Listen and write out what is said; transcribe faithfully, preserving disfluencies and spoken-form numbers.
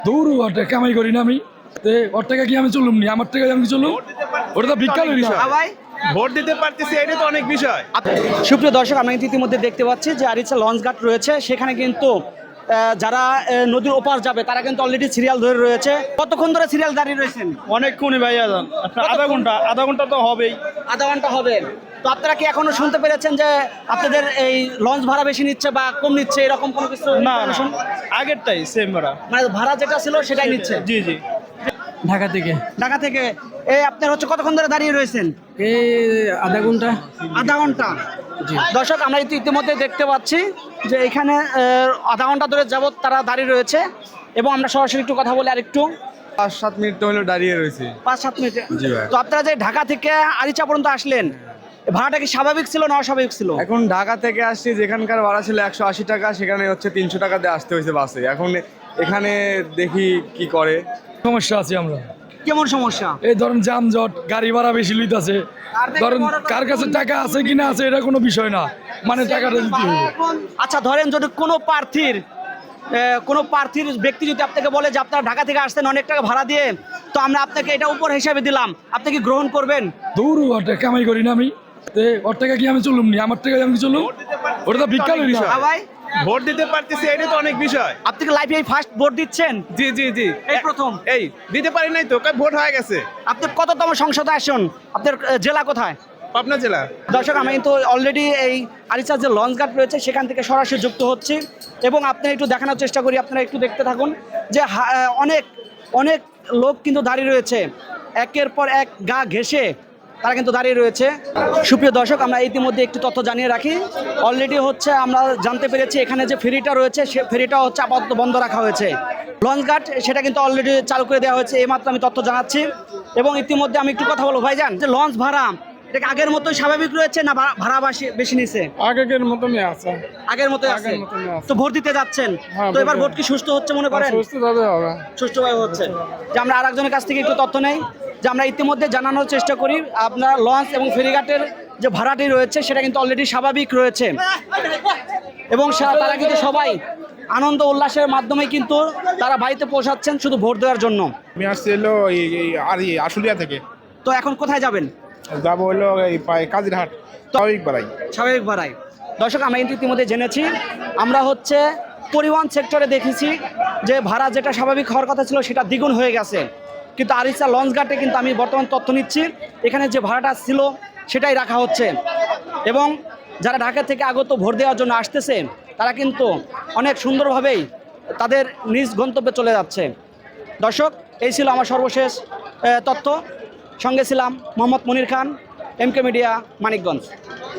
দৌড়ু ওটা কামাই করি না আমি, ওর টাকা কি আমি চলুম নি, আমার টাকা আমি চলুম, ওটা তো বিজ্ঞান ভাই ভোট দিতে পারতেছি, এটা তো অনেক বিষয়। সুপ্রিয় দর্শক, আমরা কিন্তু ইতিমধ্যে দেখতে পাচ্ছি যে আরিচা লঞ্চ ঘাট রয়েছে, সেখানে কিন্তু আহ, যারা আহ, নদীর ওপার যাবে তারা কিন্তু অলরেডি সিরিয়াল ধরে রয়েছে। কতক্ষণ ধরে সিরিয়াল দাঁড়িয়ে রয়েছেন? অনেকক্ষণই ভাই, আধা ঘন্টা আধা ঘন্টা তো হবেই। আধা ঘন্টা হবে। তো আপনারা কি এখনো শুনতে পেরেছেন যে আপনাদের এই লঞ্চ ভাড়া বেশি নিচ্ছে বা কম নিচ্ছে, এরকম কোনো কিছু? না না, আগেরটাই সেম ভাড়া, মানে ভাড়া যেটা ছিল সেটাই নিচ্ছে। জি জি। ঢাকা থেকে ঢাকা থেকে এই আপনার হচ্ছে কতক্ষণ ধরে দাঁড়িয়ে রয়েছেন? এই আধা ঘন্টা। আধা ঘন্টা। দর্শক, আমরা ইতি- ইতিমধ্যে দেখতে পাচ্ছি যে এখানে আহ, আধা ঘন্টা ধরে যাবত তারা দাঁড়িয়ে রয়েছে এবং আমরা সরাসরি একটু কথা বলি আরেকটু। পাঁচ সাত মিনিট তো হলো দাঁড়িয়ে রয়েছে। পাঁচ সাত মিনিট। জি ভাই। তো আপনারা যে ঢাকা থেকে আরিচা পর্যন্ত আসলেন, ভাড়াটা কি স্বাভাবিক ছিল না অস্বাভাবিক ছিল? এখন ঢাকা থেকে আসছি, যেখানকার ভাড়া ছিল একশো আশি টাকা, সেখানে হচ্ছে তিনশো টাকা দিয়ে আসতে হয়েছে বাসে। এখন এখানে দেখি কি করে। সমস্যা আছে আমরা, কেমন সমস্যা? এই ধরেন যানজট, গাড়ি ভাড়া বেশি লইতাছে, ধরেন কার কাছে টাকা আছে কিনা আছে এটা কোনো বিষয় না, মানে টাকাটা দিতে হবে। আচ্ছা, ধরেন যদি কোনো প্রার্থীর আহ, কোনো প্রার্থীর ব্যক্তি যদি আপনাকে বলে যে আপনারা ঢাকা থেকে আসতেন অনেক টাকা ভাড়া দিয়ে, তো আমরা আপনাকে এটা উপর হিসাবে দিলাম, আপনি কি গ্রহণ করবেন? দৌড়ু ওটা কামাই করি না আমি, ওর টাকা কি আমি চলুম নি, আমার টাকা আমি চলুম, ওটা তো বিজ্ঞান হ্যাঁ ভাই, ভোট দিতে পারতেছি, এটা তো অনেক বিষয়। আপনি কি লাইফে ফার্স্ট ভোট দিচ্ছেন? জি জি জি, এই প্রথম? এই দিতে পারি নাই তো, ভোট হয়ে গেছে। আপনি কততম সংসদে আসেন? আপনার আহ, জেলা কোথায়? পাবনা জেলা। দর্শক, আমি কিন্তু অলরেডি এই আরিচার যে লঞ্চ ঘাট রয়েছে সেখান থেকে সরাসরি যুক্ত হচ্ছি এবং আপনি একটু দেখানোর চেষ্টা করি, আপনারা একটু দেখতে থাকুন যে হা- আহ, অনেক অনেক লোক কিন্তু দাঁড়িয়ে রয়েছে, একের পর এক গা ঘেঁষে তারা কিন্তু দাঁড়িয়ে রয়েছে। সুপ্রিয় দর্শক, আমরা ইতিমধ্যে একটু তথ্য জানিয়ে রাখি। অলরেডি হচ্ছে আমরা জানতে পেরেছি এখানে যে ফেরিটা রয়েছে সে ফেরিটা হচ্ছে আপাতত বন্ধ রাখা হয়েছে। লঞ্চ ঘাট সেটা কিন্তু অলরেডি চালু করে দেওয়া হয়েছে, এইমাত্র আমি তথ্য জানাচ্ছি। এবং ইতিমধ্যে আমি একটু কথা বলবো, ভাইজান যে লঞ্চ ভাড়া এটা কি আগের মতোই স্বাভাবিক রয়েছে না ভা- ভাড়া বেশি- বেশি নিছে? আগের মতনই আছে। আগের মতোই আছে। আগের মতনই আছে। তো ভোট দিতে যাচ্ছেন, হ্যাঁ, তো এবার ভোট ভোট কি সুষ্ঠু হচ্ছে মনে করেন? সুস্থভাবে হবে। সুষ্ঠুভাবে হচ্ছে। যে আমরা আরেকজনের কাছ থেকে একটু তথ্য নেই, যে আমরা ইতিমধ্যে জানানোর চেষ্টা করি আপনার লঞ্চ এবং ফেরিঘাটের যে ভাড়াটি রয়েছে সেটা কিন্তু অলরেডি স্বাভাবিক রয়েছে এবং সা- তারা কিন্তু সবাই আনন্দ উল্লাসের মাধ্যমে কিন্তু তারা বাড়িতে পৌঁছাচ্ছেন শুধু ভোট দেওয়ার জন্য। আমি আসছি হলো এই এই আর এই আশুলিয়া থেকে, তো এখন কোথায় যাবেন? যাবো হলো এই পায়ে কাজিরহাট স্বাভাবিক বাড়াই। স্বাভাবিক ভাড়ায়। দর্শক, আমরা কিন্তু ইতিমধ্যে জেনেছি, আমরা হচ্ছে পরিবহন সেক্টরে দেখেছি যে ভাড়া যেটা স্বাভাবিক হওয়ার কথা ছিল সেটা দ্বিগুণ হয়ে গেছে, কিন্তু আরিচা লঞ্চ ঘাটে কিন্তু আমি বর্তমান তথ্য নিচ্ছি এখানে যে ভাড়াটা ছিল সেটাই রাখা হচ্ছে এবং যারা ঢাকা থেকে আগত ভোট দেওয়ার জন্য আসতেছে তারা কিন্তু অনেক সুন্দরভাবেই তাদের নিজ গন্তব্যে চলে যাচ্ছে। দর্শক, এই ছিল আমার সর্বশেষ আহ, তথ্য। সঙ্গে ছিলাম Mohammad Monir Khan, M K media, Manikganj.